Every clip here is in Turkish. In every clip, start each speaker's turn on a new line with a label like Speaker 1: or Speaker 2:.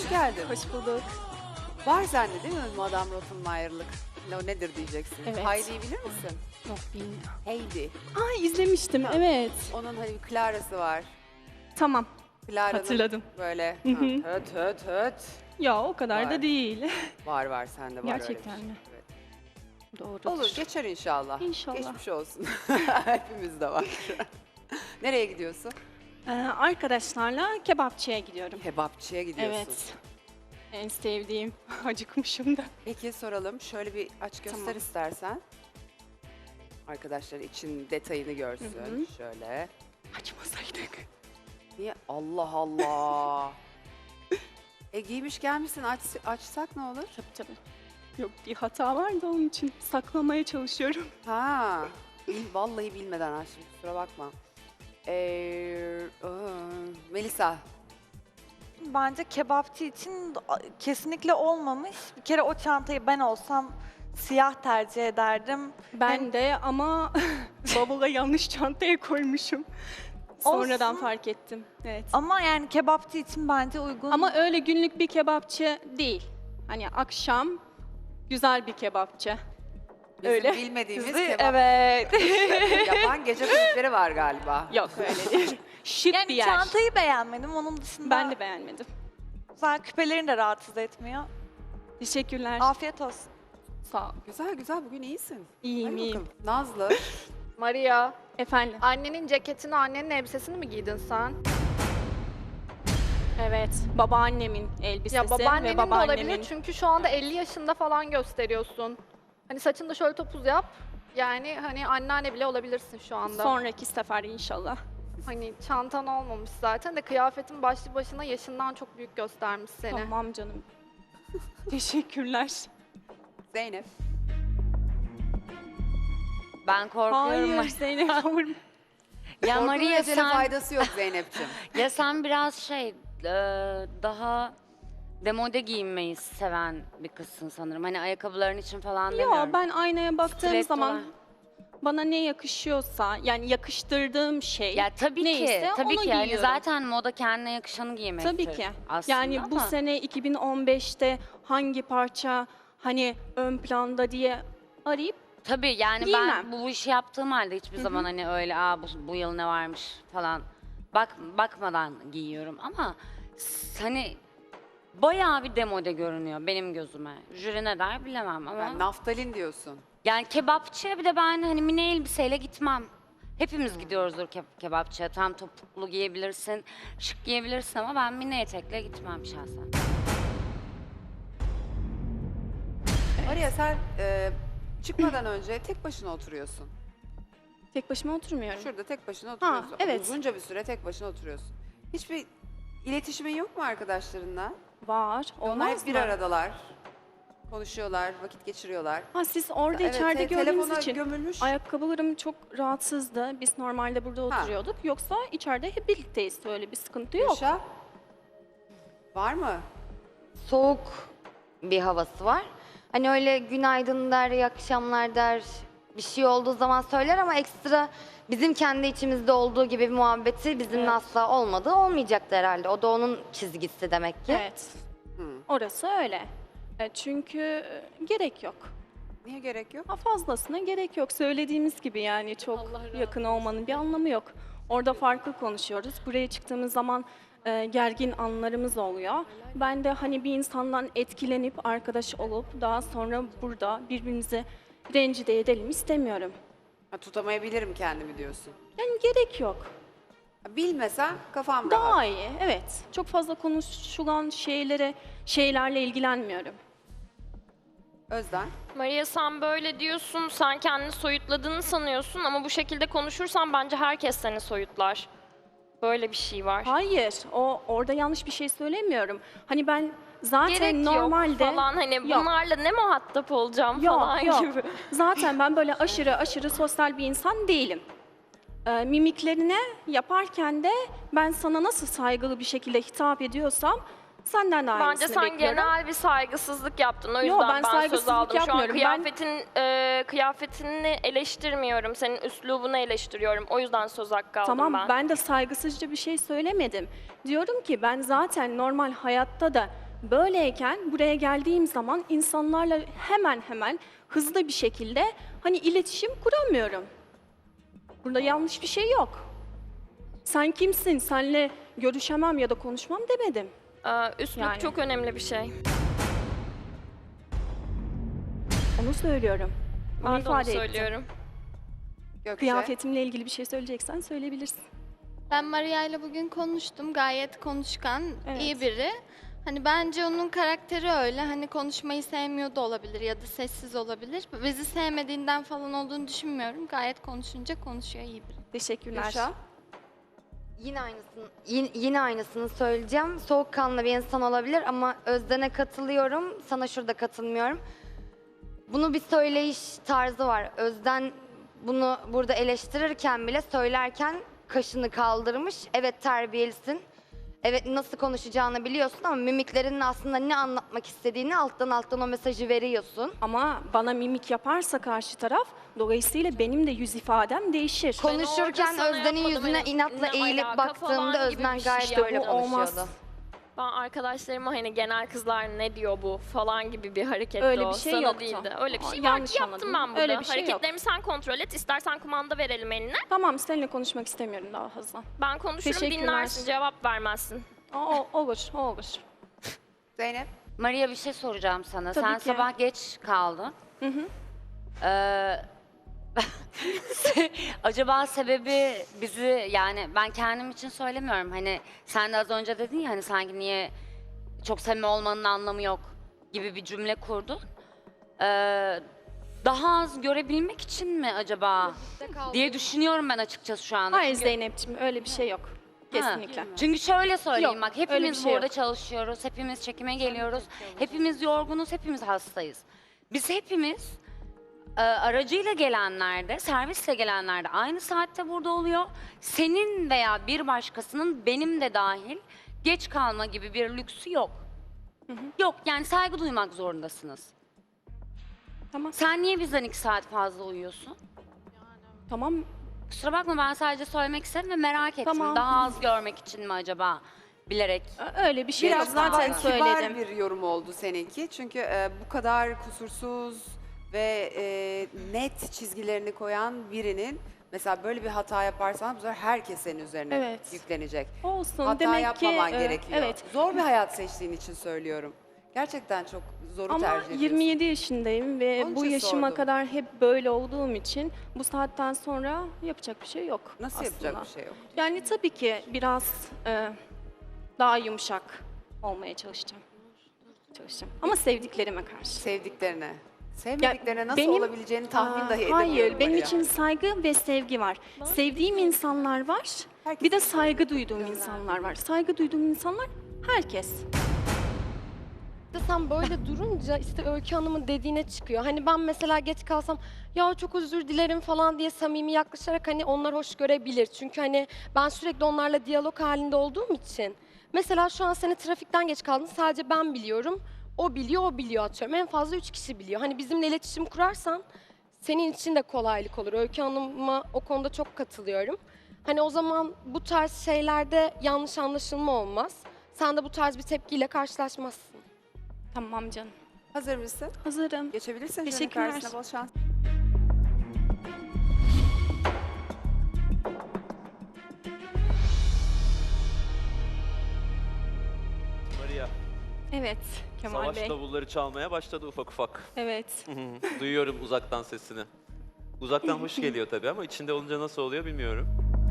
Speaker 1: geldin.
Speaker 2: Hoş bulduk.
Speaker 1: Var sende değil mi Madame Rottenmeier'lık? O nedir diyeceksin.
Speaker 2: Evet.
Speaker 1: Heidi'yi bilir misin?
Speaker 2: Yok bilmiyorum.
Speaker 1: Heidi.
Speaker 2: Aa izlemiştim
Speaker 1: Ha.
Speaker 2: evet.
Speaker 1: Onun hani bir Clara'sı var.
Speaker 2: Tamam
Speaker 1: Clara'nın
Speaker 2: hatırladım.
Speaker 1: böyle
Speaker 2: Hı hı.
Speaker 1: höt höt höt.
Speaker 2: Ya o kadar
Speaker 1: Var.
Speaker 2: da değil.
Speaker 1: Var sende var
Speaker 2: Gerçekten
Speaker 1: öyle bir şey.
Speaker 2: mi?
Speaker 1: Evet.
Speaker 2: Doğrudur.
Speaker 1: Olur geçer inşallah.
Speaker 2: İnşallah.
Speaker 1: Geçmiş olsun. Hepimizde var. Nereye gidiyorsun?
Speaker 2: Arkadaşlarla kebapçıya gidiyorum.
Speaker 1: Kebapçıya gidiyorsun.
Speaker 2: Evet. En sevdiğim. Acıkmışım da.
Speaker 1: Peki soralım. Şöyle bir aç göster
Speaker 2: Tamam.
Speaker 1: istersen. Arkadaşlar için detayını görsün.
Speaker 2: Hı hı.
Speaker 1: Şöyle.
Speaker 2: Açmasaydık.
Speaker 1: Niye? Allah Allah. Giymiş gelmişsin açsak ne olur?
Speaker 2: Tabii. Yok bir hata var da onun için saklamaya çalışıyorum.
Speaker 1: Ha. Vallahi bilmeden açtım kusura bakma. Melisa.
Speaker 3: Bence kebapçı için kesinlikle olmamış. Bir kere o çantayı ben olsam siyah tercih ederdim.
Speaker 2: Ben de ama bavula yanlış çantaya koymuşum. Sonradan
Speaker 3: Olsun.
Speaker 2: fark ettim. Evet.
Speaker 3: Ama yani kebapçı için bence uygun.
Speaker 2: Ama öyle günlük bir kebapçı değil. Hani akşam güzel bir kebapçı.
Speaker 1: Bizim
Speaker 2: Öyle.
Speaker 1: bilmediğimiz
Speaker 3: Bizi-
Speaker 1: kebap
Speaker 3: evet.
Speaker 1: yapan gece kulüpleri var galiba.
Speaker 2: Yok öyle değil. Şık bir
Speaker 3: Yani
Speaker 2: yer.
Speaker 3: çantayı beğenmedim. Onun dışında
Speaker 2: Ben de beğenmedim.
Speaker 3: güzel küpelerin de rahatsız etmiyor.
Speaker 2: Teşekkürler.
Speaker 3: Afiyet olsun.
Speaker 2: Sağ ol.
Speaker 1: Güzel bugün iyisin.
Speaker 2: İyiyim
Speaker 1: Hadi
Speaker 2: iyiyim.
Speaker 1: bakalım. Nazlı.
Speaker 4: Maria,
Speaker 2: Efendim.
Speaker 4: annenin ceketini, annenin elbisesini mi giydin sen?
Speaker 2: Evet. Babaannemin elbisesi
Speaker 4: Ya babaannenin
Speaker 2: ve
Speaker 4: de olabilir
Speaker 2: babaannemin.
Speaker 4: çünkü şu anda 50 yaşında falan gösteriyorsun. Hani saçını da şöyle topuz yap. Yani hani anneanne bile olabilirsin şu anda.
Speaker 2: Sonraki sefer inşallah.
Speaker 4: Hani çantan olmamış zaten de kıyafetin başlı başına yaşından çok büyük göstermiş seni.
Speaker 2: Tamam canım. Teşekkürler.
Speaker 1: Zeynep.
Speaker 5: Ben korkuyorum.
Speaker 2: Hayır Zeynep olur mu?
Speaker 5: Ya
Speaker 1: Korkunun
Speaker 5: Maria
Speaker 1: ecele
Speaker 5: sen,
Speaker 1: faydası yok Zeynep'ciğim.
Speaker 5: ya sen biraz daha demode giyinmeyi seven bir kızsın sanırım. Hani ayakkabıların için falan demiyorum.
Speaker 2: Ya ben aynaya baktığım
Speaker 5: Stiletto
Speaker 2: zaman
Speaker 5: var.
Speaker 2: bana ne yakışıyorsa yani yakıştırdığım şey
Speaker 5: Ya tabii
Speaker 2: neyse
Speaker 5: ki, tabii
Speaker 2: onu
Speaker 5: ki. Yani
Speaker 2: giyiyorum.
Speaker 5: zaten moda kendine yakışanı giymektir.
Speaker 2: Tabii ki.
Speaker 5: Aslında
Speaker 2: Yani bu
Speaker 5: ama
Speaker 2: sene 2015'te hangi parça hani ön planda diye arayıp
Speaker 5: tabii yani
Speaker 2: giymem.
Speaker 5: ben bu işi yaptığım halde hiçbir zaman hani öyle bu yıl ne varmış falan bakmadan giyiyorum ama hani bayağı bir demode görünüyor benim gözüme. Jüri ne der bilemem ama.
Speaker 1: Yani naftalin diyorsun.
Speaker 5: Yani kebapçıya bir de ben hani mini elbiseyle gitmem. Hepimiz gidiyoruzdur kebapçıya. Tam topuklu giyebilirsin, şık giyebilirsin ama ben mini etekle gitmem şahsen.
Speaker 1: Maria sen çıkmadan önce tek başına oturuyorsun.
Speaker 2: tek başıma oturmuyorum.
Speaker 1: Şurada tek başına oturuyorsun.
Speaker 2: evet.
Speaker 1: Uzunca bir süre tek başına oturuyorsun. Hiçbir iletişimin yok mu arkadaşlarınla?
Speaker 2: Var.
Speaker 1: Onlar
Speaker 2: Olmaz
Speaker 1: hep bir
Speaker 2: mı?
Speaker 1: aradalar. Konuşuyorlar, vakit geçiriyorlar.
Speaker 2: Ha siz orada
Speaker 1: Evet,
Speaker 2: içeride gördüğünüz
Speaker 1: telefona
Speaker 2: için
Speaker 1: gömülmüş.
Speaker 2: ayakkabılarım çok rahatsızdı. Biz normalde burada oturuyorduk. Yoksa içeride hep birlikteyiz. Öyle bir sıkıntı yok.
Speaker 1: Gülşah, var mı?
Speaker 6: Soğuk bir havası var. Hani öyle günaydın der, iyi akşamlar der, bir şey olduğu zaman söyler ama ekstra bizim kendi içimizde olduğu gibi bir muhabbeti bizimle
Speaker 2: Evet.
Speaker 6: asla olmadı. Olmayacaktı herhalde. O da onun çizgisi demek ki.
Speaker 2: Evet.
Speaker 1: Hı.
Speaker 2: Orası öyle. Çünkü gerek yok.
Speaker 1: Niye gerek yok?
Speaker 2: Ha, fazlasına gerek yok. Söylediğimiz gibi yani çok yakın olmanın bir anlamı yok. Orada farklı konuşuyoruz. Buraya çıktığımız zaman gergin anlarımız oluyor. Ben de hani bir insandan etkilenip arkadaş olup daha sonra burada birbirimizi rencide edelim istemiyorum.
Speaker 1: Ha, tutamayabilirim kendimi diyorsun.
Speaker 2: Yani gerek yok.
Speaker 1: Ha, bilmesen kafam rahat.
Speaker 2: Daha iyi, evet. Çok fazla konuşulan şeylerle ilgilenmiyorum.
Speaker 1: Özden.
Speaker 7: Maria sen böyle diyorsun, sen kendini soyutladığını sanıyorsun ama bu şekilde konuşursan bence herkes seni soyutlar. Böyle bir şey var.
Speaker 2: Hayır, orada yanlış bir şey söylemiyorum. Hani ben zaten
Speaker 7: Gerek
Speaker 2: normalde
Speaker 7: yok falan hani
Speaker 2: Yok.
Speaker 7: bunlarla ne muhatap olacağım
Speaker 2: Yok,
Speaker 7: falan
Speaker 2: yok.
Speaker 7: gibi.
Speaker 2: Zaten ben böyle aşırı sosyal bir insan değilim. Mimiklerine yaparken de ben sana nasıl saygılı bir şekilde hitap ediyorsam senden de aynısını
Speaker 7: Bence sen
Speaker 2: bekliyorum.
Speaker 7: genel bir saygısızlık yaptın. O
Speaker 2: Yo,
Speaker 7: yüzden
Speaker 2: ben
Speaker 7: ben söz
Speaker 2: saygısızlık
Speaker 7: aldım. Şu an
Speaker 2: yapmıyorum. Ben-
Speaker 7: kıyafetini eleştirmiyorum. Senin üslubunu eleştiriyorum. O yüzden söz hakkı aldım
Speaker 2: Tamam ben de saygısızca bir şey söylemedim. Diyorum ki ben zaten normal hayatta da Böyleyken buraya geldiğim zaman insanlarla hemen hemen hızlı bir şekilde hani iletişim kuramıyorum. Burada yanlış bir şey yok. Sen kimsin? Senle görüşemem ya da konuşmam demedim.
Speaker 7: Üslup
Speaker 2: Yani.
Speaker 7: çok önemli bir şey.
Speaker 2: Onu söylüyorum. Onu
Speaker 7: Ben de onu
Speaker 2: ifade ettim.
Speaker 7: söylüyorum.
Speaker 1: Gökçe.
Speaker 2: Kıyafetimle ilgili bir şey söyleyeceksen söyleyebilirsin.
Speaker 8: Ben Maria ile bugün konuştum. Gayet konuşkan,
Speaker 2: Evet.
Speaker 8: iyi biri. Hani bence onun karakteri öyle. Hani konuşmayı sevmiyor da olabilir ya da sessiz olabilir. Bizi sevmediğinden falan olduğunu düşünmüyorum. Gayet konuşunca konuşuyor, iyi biri.
Speaker 2: Teşekkürler.
Speaker 1: Gülşah.
Speaker 6: Yine aynısını söyleyeceğim. Soğukkanlı bir insan olabilir ama Özden'e katılıyorum. Sana şurada katılmıyorum. Bunu bir söyleyiş tarzı var. Özden bunu burada eleştirirken bile söylerken kaşını kaldırmış. Evet terbiyelisin. Evet nasıl konuşacağını biliyorsun ama mimiklerinle aslında ne anlatmak istediğini alttan o mesajı veriyorsun.
Speaker 2: Ama bana mimik yaparsa karşı taraf, dolayısıyla benim de yüz ifadem değişir.
Speaker 6: Konuşurken
Speaker 7: orada sana
Speaker 6: Özden'in
Speaker 7: yapmadım,
Speaker 6: yüzüne
Speaker 7: hani
Speaker 6: inatla
Speaker 7: ne
Speaker 6: eğilip
Speaker 7: alaka
Speaker 6: baktığımda
Speaker 7: falan gibi
Speaker 6: Özden
Speaker 7: bir şey.
Speaker 6: gayet
Speaker 2: İşte
Speaker 6: öyle
Speaker 2: bu olmaz.
Speaker 6: konuşuyordu.
Speaker 7: Ben arkadaşlarıma hani genel kızlar ne diyor bu falan gibi bir hareket
Speaker 2: Öyle
Speaker 7: o.
Speaker 2: bir şey
Speaker 7: Sana
Speaker 2: yoktu.
Speaker 7: değildi. Öyle bir
Speaker 2: Aa,
Speaker 7: şey
Speaker 2: yanlış
Speaker 7: var. Yaptım
Speaker 2: anladın.
Speaker 7: ben burada.
Speaker 2: Öyle bir şey yok.
Speaker 7: Hareketlerimi sen kontrol et. İstersen kumanda verelim eline.
Speaker 2: Tamam, seninle konuşmak istemiyorum daha fazla.
Speaker 7: Ben konuşurum,
Speaker 2: Teşekkürler.
Speaker 7: dinlersin, cevap vermezsin.
Speaker 2: Olur.
Speaker 1: Zeynep.
Speaker 5: Maria bir şey soracağım sana.
Speaker 2: Tabii
Speaker 5: Sen
Speaker 2: ki.
Speaker 5: sabah geç kaldın.
Speaker 2: Hı hı.
Speaker 5: Acaba sebebi bizi yani ben kendim için söylemiyorum. Hani sen de az önce dedin ya hani sanki niye çok samimi olmanın anlamı yok gibi bir cümle kurdun. Daha az görebilmek için mi acaba diye düşünüyorum ben açıkçası şu anda.
Speaker 2: Hayır
Speaker 5: Çünkü-
Speaker 2: Zeynep'ciğim, öyle bir şey yok. Kesinlikle.
Speaker 5: Çünkü şöyle söyleyeyim
Speaker 2: Yok,
Speaker 5: bak
Speaker 2: öyle bir
Speaker 5: hepimiz
Speaker 2: şey
Speaker 5: burada
Speaker 2: yok.
Speaker 5: çalışıyoruz, hepimiz çekime geliyoruz, hepimiz yorgunuz, hepimiz hastayız. Biz hepimiz aracıyla gelenlerde, servisle gelenlerde aynı saatte burada oluyor. Senin veya bir başkasının benim de dahil geç kalma gibi bir lüksü yok. Yok yani saygı duymak zorundasınız.
Speaker 2: Tamam.
Speaker 5: Sen niye bizden 2 saat fazla uyuyorsun?
Speaker 2: Tamam.
Speaker 5: Kusura bakma ben sadece söylemek istedim ve merak ettim.
Speaker 2: Tamam.
Speaker 5: Daha az görmek için mi acaba? Bilerek.
Speaker 2: Öyle bir şey yok.
Speaker 1: Biraz daha
Speaker 2: Zaten
Speaker 1: kibar
Speaker 2: söyledim.
Speaker 1: bir yorum oldu seninki. Çünkü bu kadar kusursuz ve net çizgilerini koyan birinin mesela böyle bir hata yaparsan bu sefer herkes senin üzerine
Speaker 2: Evet.
Speaker 1: yüklenecek.
Speaker 2: Olsun.
Speaker 1: Hata
Speaker 2: Demek
Speaker 1: yapmaman
Speaker 2: ki,
Speaker 1: gerekiyor.
Speaker 2: Evet.
Speaker 1: Zor bir hayat seçtiğin için söylüyorum. Gerçekten çok zoru
Speaker 2: Ama
Speaker 1: tercih ediyorsun.
Speaker 2: 27 yaşındayım ve
Speaker 1: Onun
Speaker 2: bu
Speaker 1: için
Speaker 2: yaşıma
Speaker 1: sordum.
Speaker 2: kadar hep böyle olduğum için bu saatten sonra yapacak bir şey yok.
Speaker 1: Nasıl
Speaker 2: aslında.
Speaker 1: yapacak bir şey yok?
Speaker 2: Yani tabii ki biraz daha yumuşak olmaya çalışacağım. Ama sevdiklerime karşı.
Speaker 1: Sevdiklerine. Sevmediklerine nasıl
Speaker 2: benim-
Speaker 1: olabileceğini tahmin dahi edemiyorum.
Speaker 2: Hayır, benim
Speaker 1: Maria.
Speaker 2: için saygı ve sevgi var. Sevdiğim insanlar var,
Speaker 1: Herkes
Speaker 2: bir de
Speaker 1: için
Speaker 2: saygı duyduğum insanlar var. Saygı duyduğum insanlar herkes.
Speaker 9: İşte sen böyle durunca işte Öykü Hanım'ın dediğine çıkıyor. Hani ben mesela geç kalsam ya çok özür dilerim falan diye samimi yaklaşarak hani onlar hoş görebilir. Çünkü hani ben sürekli onlarla diyalog halinde olduğum için. Mesela şu an seni trafikten geç kaldın sadece ben biliyorum. O biliyor atıyorum. En fazla 3 kişi biliyor. Hani bizimle iletişim kurarsan senin için de kolaylık olur. Öykü Hanım'a o konuda çok katılıyorum. Hani o zaman bu tarz şeylerde yanlış anlaşılma olmaz. Sen de bu tarz bir tepkiyle karşılaşmazsın.
Speaker 2: Tamam canım.
Speaker 1: Hazır mısın?
Speaker 2: Hazırım.
Speaker 1: Geçebilirsin. Jüri
Speaker 2: Teşekkürler.
Speaker 1: karşısına bol şans.
Speaker 10: Maria,
Speaker 2: Evet Kemal
Speaker 10: savaş
Speaker 2: Bey.
Speaker 10: davulları çalmaya başladı ufak ufak.
Speaker 2: Evet.
Speaker 10: Duyuyorum uzaktan sesini. Uzaktan hoş geliyor tabii ama içinde olunca nasıl oluyor bilmiyorum.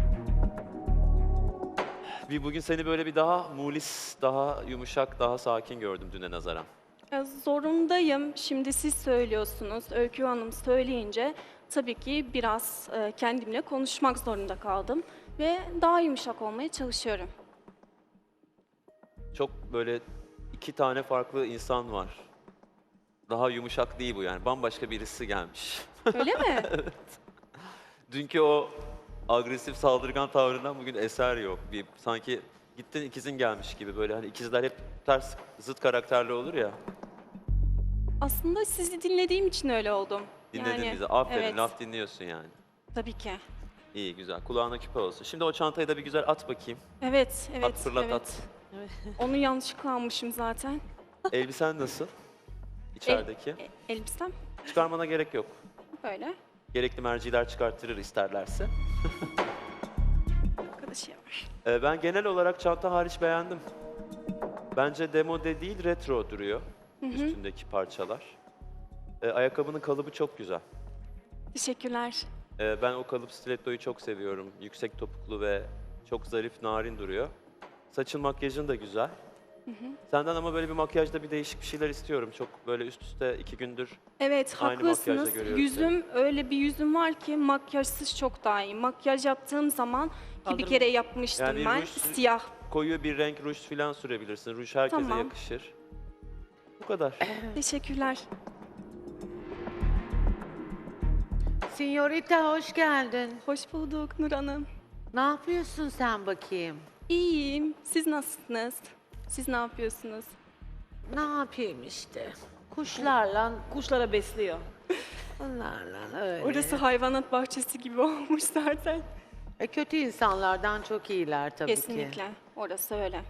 Speaker 10: Bugün seni böyle bir daha mulis, daha yumuşak, daha sakin gördüm düne nazaran.
Speaker 2: Zorundayım. Şimdi siz söylüyorsunuz. Öykü Hanım söyleyince tabii ki biraz kendimle konuşmak zorunda kaldım. Ve daha yumuşak olmaya çalışıyorum.
Speaker 10: Çok böyle 2 tane farklı insan var. Daha yumuşak değil bu yani. Bambaşka birisi gelmiş.
Speaker 2: Öyle mi?
Speaker 10: Dünkü o agresif saldırgan tavrından bugün eser yok. Bir sanki gittin ikizin gelmiş gibi böyle hani ikizler hep ters zıt karakterli olur ya.
Speaker 2: Aslında sizi dinlediğim için öyle oldum.
Speaker 10: Dinledin
Speaker 2: Yani,
Speaker 10: bizi. Aferin
Speaker 2: evet.
Speaker 10: laf dinliyorsun yani.
Speaker 2: Tabii ki.
Speaker 10: İyi güzel. Kulağına küpe olsun. Şimdi o çantayı da bir güzel at bakayım.
Speaker 2: Evet,
Speaker 10: At fırlat
Speaker 2: evet.
Speaker 10: at.
Speaker 2: Onu yanlışlıkla almışım zaten.
Speaker 10: Elbisen nasıl? İçerideki.
Speaker 2: Elbisem
Speaker 10: Çıkarmana gerek yok.
Speaker 2: böyle.
Speaker 10: Gerekli merciler çıkarttırır isterlerse.
Speaker 2: Arkadaşı var.
Speaker 10: Ben genel olarak çanta hariç beğendim. Bence demode değil, retro duruyor üstündeki parçalar. Ayakkabının kalıbı çok güzel.
Speaker 2: Teşekkürler.
Speaker 10: Ben o kalıp stilettoyu çok seviyorum. Yüksek topuklu ve çok zarif, narin duruyor. Saçın, makyajın da güzel. Senden ama böyle bir makyajda bir değişik bir şeyler istiyorum. Çok böyle üst üste 2 gündür
Speaker 2: Evet,
Speaker 10: Aynı makyajda
Speaker 2: haklısınız.
Speaker 10: görüyorum
Speaker 2: Yüzüm, öyle bir yüzüm var ki makyajsız çok daha iyi. Makyaj yaptığım zaman ki bir kere yapmıştım
Speaker 10: Yani
Speaker 2: ben.
Speaker 10: ruj-
Speaker 2: Siyah.
Speaker 10: koyu bir renk ruj falan sürebilirsin. Ruj herkese
Speaker 2: Tamam.
Speaker 10: yakışır. Bu kadar.
Speaker 2: Teşekkürler.
Speaker 11: Signorita hoş geldin.
Speaker 2: Hoş bulduk Nur Hanım.
Speaker 11: Ne yapıyorsun sen bakayım?
Speaker 2: İyiyim. Siz nasılsınız? Siz ne yapıyorsunuz?
Speaker 11: Ne yapayım işte. Kuşlarla,
Speaker 12: Kuşlara besliyor.
Speaker 11: onlarla öyle.
Speaker 2: Orası hayvanat bahçesi gibi olmuş zaten.
Speaker 11: Kötü insanlardan çok iyiler tabii ki.
Speaker 2: Kesinlikle. Orası öyle.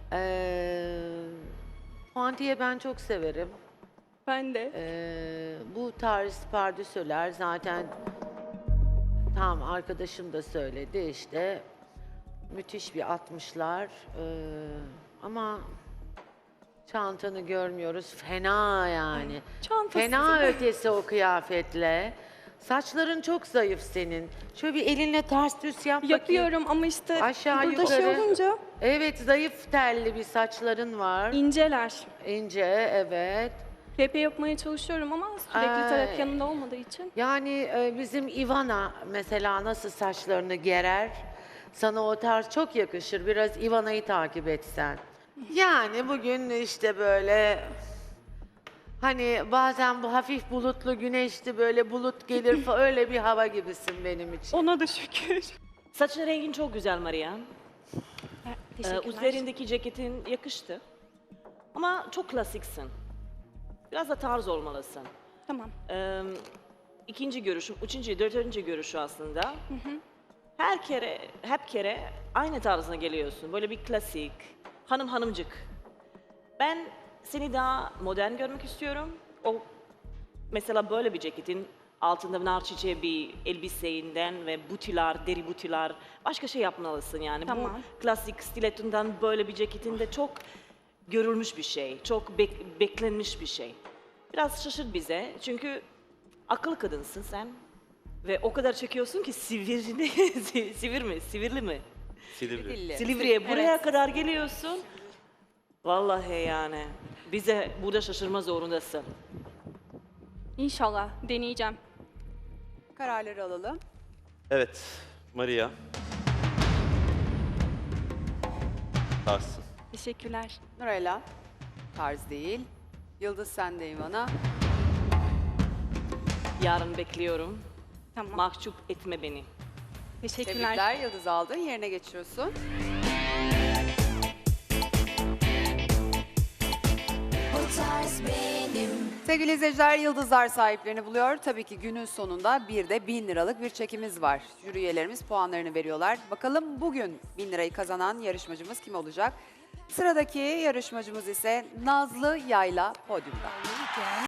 Speaker 11: Puantiye ben çok severim.
Speaker 2: Ben de.
Speaker 11: Bu tarz pardösüler zaten tam arkadaşım da söyledi işte. Müthiş bir 60'lar. Ama çantanı görmüyoruz. Fena yani.
Speaker 2: Çantası.
Speaker 11: Fena ötesi o kıyafetle. Saçların çok zayıf senin. Şöyle bir elinle ters düz yap bakayım.
Speaker 2: Yapıyorum ama işte
Speaker 11: Aşağı
Speaker 2: burada
Speaker 11: yukarı.
Speaker 2: şey olunca
Speaker 11: Evet, zayıf telli bir saçların var.
Speaker 2: inceler.
Speaker 11: İnce, evet.
Speaker 2: Pepe yapmaya çalışıyorum ama sürekli taraf yanında olmadığı için.
Speaker 11: Yani bizim Ivana mesela nasıl saçlarını gerer? Sana o tarz çok yakışır. Biraz Ivana'yı takip etsen. Yani bugün işte böyle hani bazen bu hafif bulutlu güneşli böyle bulut gelir falan öyle bir hava gibisin benim için.
Speaker 2: Ona da şükür.
Speaker 12: Saçın rengin çok güzel Maria.
Speaker 2: Teşekkürler.
Speaker 12: Üzerindeki ceketin yakıştı. Ama çok klasiksin. Biraz da tarz olmalısın.
Speaker 2: Tamam.
Speaker 12: İkinci görüşüm, üçüncü, dördüncü görüşü aslında. Hep kere aynı tarzına geliyorsun. Böyle bir klasik, hanımcık. Ben seni daha modern görmek istiyorum. O mesela böyle bir ceketin altında nar çiçeği bir elbiseyinden ve butiler, deri butiler, başka şey yapmalısın yani.
Speaker 2: Tamam.
Speaker 12: Bu klasik stilettondan böyle bir ceketin de çok görülmüş bir şey, çok beklenmiş bir şey. Biraz şaşırt bize çünkü akıllı kadınsın sen ve o kadar çekiyorsun ki sivri mi?
Speaker 10: Silivri.
Speaker 1: Dilli.
Speaker 12: Silivri'ye buraya
Speaker 2: Evet.
Speaker 12: kadar geliyorsun. Vallahi yani bize burada şaşırma zorundasın.
Speaker 2: İnşallah deneyeceğim.
Speaker 1: Kararları alalım.
Speaker 10: Evet, Maria. Tarsın.
Speaker 2: Teşekkürler.
Speaker 1: Nurella. Tarz değil. Yıldız sen de Ivana.
Speaker 12: Yarın bekliyorum.
Speaker 2: Tamam.
Speaker 12: Mahcup etme beni.
Speaker 2: Teşekkürler.
Speaker 1: Tebrikler. Yıldız aldın. Yerine geçiyorsun. Sevgili izleyiciler, Yıldızlar sahiplerini buluyor. Tabii ki günün sonunda bir de 1000 liralık bir çekimiz var. Jüri üyelerimiz puanlarını veriyorlar. Bakalım bugün 1000 lirayı kazanan yarışmacımız kim olacak? Sıradaki yarışmacımız ise Nazlı Yayla podyumda.